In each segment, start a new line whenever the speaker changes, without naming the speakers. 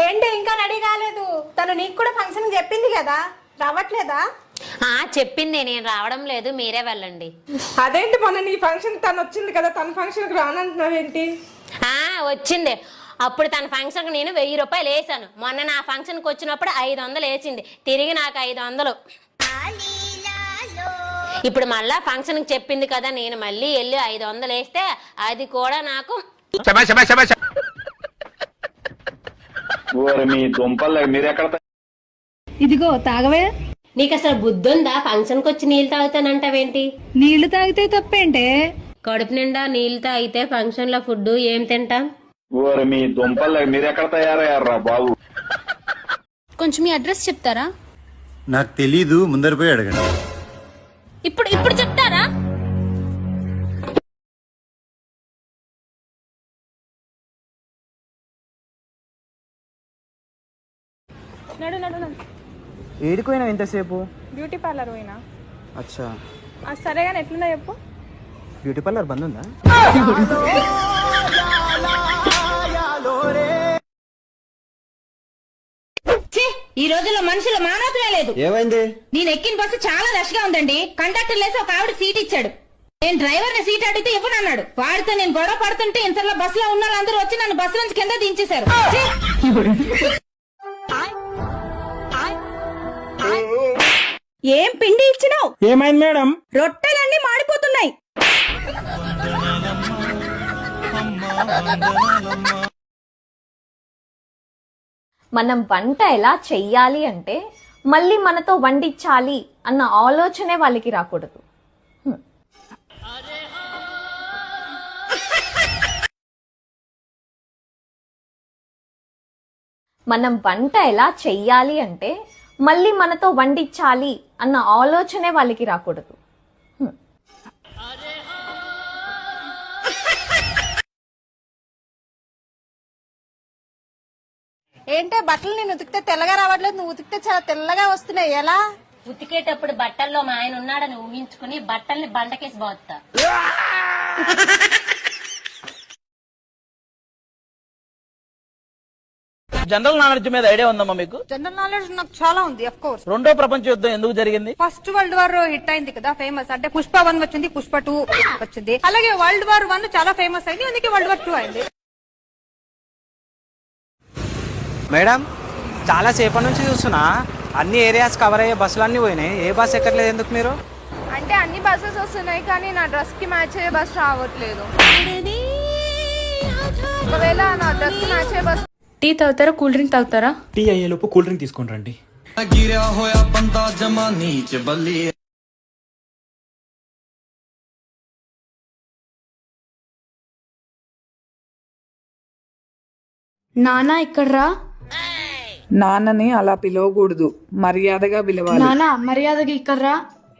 ఏంటి ఇంకా రెడీ కాలేదు? తను నీకు కూడా ఫంక్షన్ చెప్పింది కదా, రావట్లేదా?
చెప్పింది, నేను రావడం లేదు, మీరే వెళ్ళండి.
అదేంటి మొన్న నీ ఫంక్షన్ తను వచ్చింది కదా, తన ఫంక్షన్ కి రానంటున్నావేంటి?
వచ్చింది. అప్పుడు తన ఫంక్షన్ కి నేను 1000 రూపాయలు వేసాను. మొన్న నా ఫంక్షన్ కి వచ్చినప్పుడు 500 వేసింది, తిరిగి నాకు 500. ఇప్పుడు మళ్ళా ఫంక్షన్ కి చెప్పింది కదా, నేను మళ్ళీ వెళ్ళి 500 వేస్తే అది కూడా నాకు
ఇదిగో తాగవే.
నీకు అసలు బుద్ధుందా? ఫంక్షన్ కి వచ్చి నీళ్ళు తాగుతానంటావేంటి?
నీళ్లు తాగితే తప్పేంటే?
కడుపు నిండా నీళ్ళు తాగితే ఫంక్షన్ లో ఫుడ్ ఏం తింటాం?
మీ దుంపలు మీరెక్కడ తయారయ్యారా బాబు?
కొంచెం మీ అడ్రస్ చెప్తారా?
నాకు తెలీదు, ముందర పోయి అడగండి.
ఇప్పుడు చెప్తారా?
నడు నడు నడు.
ఏడికి పోయినా ఎంతసేపు?
బ్యూటీ పార్లర్ పోయినా.
అచ్చా,
సరే కానీ ఎట్లుందా చెప్పు.
బ్యూటీ పార్లర్ బంద్ ఉందా?
ఈ రోజుల్లో మనుషుల మానవతమే లేదు.
ఏమైంది?
నేను ఎక్కిన బస్సు చాలా రష్ గా ఉందండి. కండక్టర్ లేసి ఒక ఆవిడ సీట్ ఇచ్చాడు. నేను డ్రైవర్ ని సీట్ అడిగితే ఇవ్వనన్నాడు. వాడితో నేను గొడవ పడుతుంటే ఇంతలో బస్సులో ఉన్న వాళ్ళందరూ వచ్చి నన్ను బస్సు నుంచి కింద దించేశారు.
ఏం పిండి ఇచ్చినావు?
ఏమైంది మేడం?
రొట్టెలన్నీ మాడిపోతున్నాయి.
మనం వంట ఎలా చెయ్యాలి అంటే మళ్ళీ మనతో వండించాలి అన్న ఆలోచనే వాళ్ళకి రాకూడదు. మనం వంట ఎలా చెయ్యాలి అంటే మళ్ళీ మనతో వండించాలి అన్న ఆలోచనే వాళ్ళకి రాకూడదు.
ఏంటే బట్టలు నేను ఉతికితే తెల్లగా రావట్లేదు, నువ్వు ఉతికితే చాలా తెల్లగా వస్తున్నాయి. ఎలా?
ఉతికేటప్పుడు బట్టల్లో మా ఆయన ఉన్నాడని ఊహించుకుని బట్టల్ని బండకేసి పోతా.
జనరల్ నాలెడ్జ్ మీద ఐడియా ఉందమ్మా మీకు?
జనరల్ నాలెడ్జ్ నాకు చాలా ఉంది. Of course.
రెండో ప్రపంచ యుద్ధం ఎందుకు జరిగింది?
ఫస్ట్ వరల్డ్ వార్ హిట్ అయింది కదా, ఫేమస్. అంటే పుష్ప 1 వచ్చింది, పుష్ప 2 వచ్చింది. అలాగే వరల్డ్ వార్ 1 చాలా ఫేమస్ అయింది, అందుకే వరల్డ్ వార్ 2 అయింది.
మేడం, చాలా సేపటి నుంచి చూస్తున్నా అన్ని ఏరియాస్ కవర్ అయ్యే బస్సులు అన్ని పోయినాయి. ఏ బస్ ఎక్కట్లేదు ఎందుకు మీరు?
అంటే అన్ని బస్సెస్ వస్తున్నాయి కానీ నా డ్రెస్ కి మ్యాచ్ అయ్యే బస్ రావట్లేదు. ఒకవేళ నా డ్రెస్ కి మ్యాచ్ అయ్యే బస్.
టీ తాగుతారా, కూల్ డ్రింక్ తాగుతారా?
టీ అయ్యేలోపు కూల్ డ్రింక్ తీసుకుని రండి.
నానా ఇక్కడ్రా.
నాన్నని అలా పిలవకూడదు, మర్యాదగా పిలవాలి.
నానా మర్యాదగా ఇక్కడ్రా.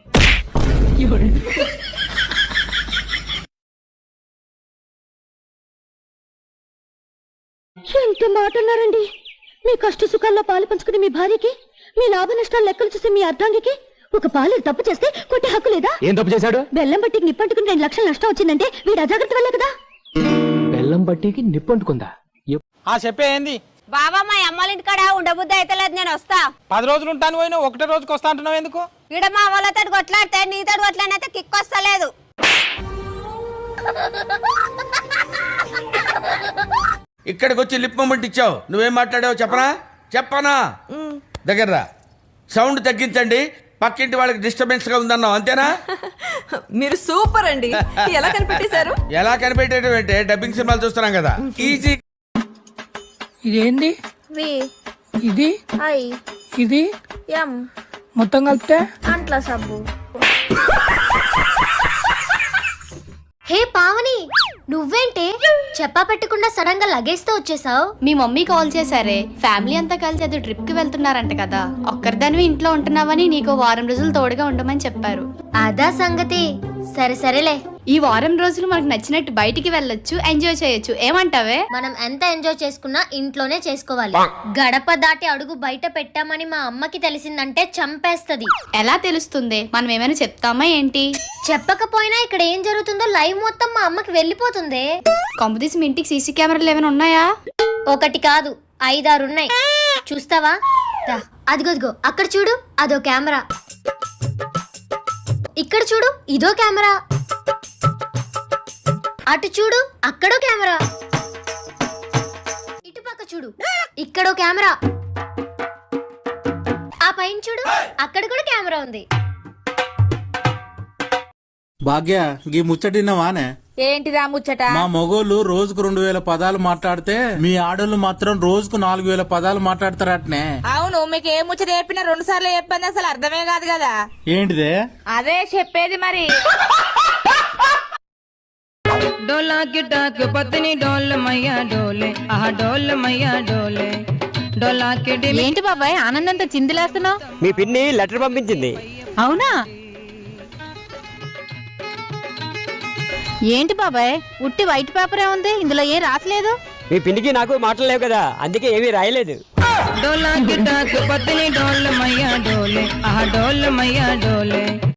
ఎంత మాట అన్నారండి? మీ కష్ట సుఖాల్లో పాలు పంచుకుని మీ భార్యకి, మీ లాభ నష్టాలు లెక్కలు చూసి మీ అర్ధాంగికి ఒక పాలు తప్పు చేస్తే కొట్టే హక్కు లేదా?
ఏం తప్పు చేశాడు?
బెల్లం బట్టికి నిప్పంటుకుని 2 లక్షలు నష్టం వచ్చిందంటే వీడు అజాగ్రత్త వల్లే కదా.
బెల్లం బట్టికి నిప్పంటుకుందా? చెప్పేంది
బాబా, మా అమ్మాళ్ళ ఇంటికాడ ఉండబుద్ధి అయితే లేదు, నేను వస్తా.
10 రోజులు ఉంటాను పోయినా, ఒకటే రోజుకి వస్తా అంటున్నావు ఎందుకు?
ఈడ మా వాళ్ళతో కొట్లాడితే నీతో కొట్లాడినైతే కిక్ వస్తలేదు.
ఇక్కడికి వచ్చి లిప్ మూమెంట్ ఇచ్చావు, నువ్వేం మాట్లాడావు చెప్పనా? దగ్గర సౌండ్ తగ్గించండి, పక్కింటి వాళ్ళకి డిస్టర్బెన్స్ గా ఉందన్నావు, అంతేనా?
మీరు సూపర్ అండి. ఎలా కనిపెట్టేశారు?
ఎలా కనిపెట్టేయడం అంటే డబ్బింగ్ సినిమాలు చూస్తున్నాం కదా, ఈజీ.
ఇదేంది? ఇది ఇది మొత్తం కలిపితే
అంట్ల సబ్బు.
హే పావని, నువ్వేంటే చెప్పా పెట్టకుండా సడన్ గా లగేజ్ తో వచ్చేసావు?
మీ మమ్మీ కాల్ చేశారే, ఫ్యామిలీ అంతా కలిసి ఏదో ట్రిప్ కి వెళ్తున్నారంట కదా, ఒక్కరిదానివి ఇంట్లో ఉంటున్నావని నీకు 1 వారం రోజులు తోడుగా ఉండమని చెప్పారు.
అదా సంగతి. సరే సరేలే.
ఈ 1 వారం రోజులు మనకు నచ్చినట్టు బయటికి వెళ్ళొచ్చు, ఎంజాయ్ చేయొచ్చు. ఏమంటావే?
మనం ఎంత ఎంజాయ్ చేసుకున్నా ఇంట్లోనే చేసుకోవాలి. గడప దాటి అడుగు బయట పెట్టామని మా అమ్మకి తెలిసిందంటే చంపేస్తది.
ఎలా తెలుస్తుంది? మనం ఏమైనా చెప్తామా ఏంటి?
చెప్పకపోయినా ఇక్కడ ఏం జరుగుతుందో లైవ్ మొత్తం మా అమ్మకి వెళ్ళిపోతుంది.
కొంపదీసి మీ ఇంటికి సీసీ కెమెరాలు ఏమైనా ఉన్నాయా?
ఒకటి కాదు
5-6 ఉన్నాయి. చూస్తావా? అదిగో అక్కడ చూడు, అదో కెమెరా. ఇక్కడ చూడు, ఇదో కెమెరా. అటు చూడు, అక్కడో కెమెరా. ఇటు పక్క చూడు, ఇక్కడో కెమెరా. ఆ పైన చూడు, అక్కడ కూడా కెమెరా ఉంది.
భాగ్య గీ ముచ్చటిన్నవానే?
ఏంటిదా ముచ్చట?
మా మొగోళ్ళు రోజుకు 2000 పదాలు మాట్లాడితే మీ ఆడోళ్ళు మాత్రం రోజుకు 4000 పదాలు మాట్లాడతారటనే.
అవును, మీకు ఏ ముచ్చట చెప్పినా 2 సార్లు చెప్పింది అసలు అర్థమే కాదు కదా.
ఏంటిదే?
అదే చెప్పేది మరి.
డోలా కిటాక్ పత్ని డోల్ మయ్యా డోలే, ఆహా డోల్ మయ్యా డోలే. డోలా కిటి.
ఏంటి బాబాయ్ ఆనందంతో చిందులేస్తున్నావు?
మీ పిన్ని లెటర్ పంపించింది.
అవునా? ఏంటి బాబాయ్ ఉట్టి వైట్ పేపరే ఉంది, ఇందులో ఏం రాసలేదు?
మీ పిన్నికి నాకు మాటలు లేవు కదా, అందుకే ఏమీ రాయలేదు.
డోలా కిటాక్ పత్ని డోల్ మయ్యా డోలే, ఆహా డోల్ మయ్యా డోలే.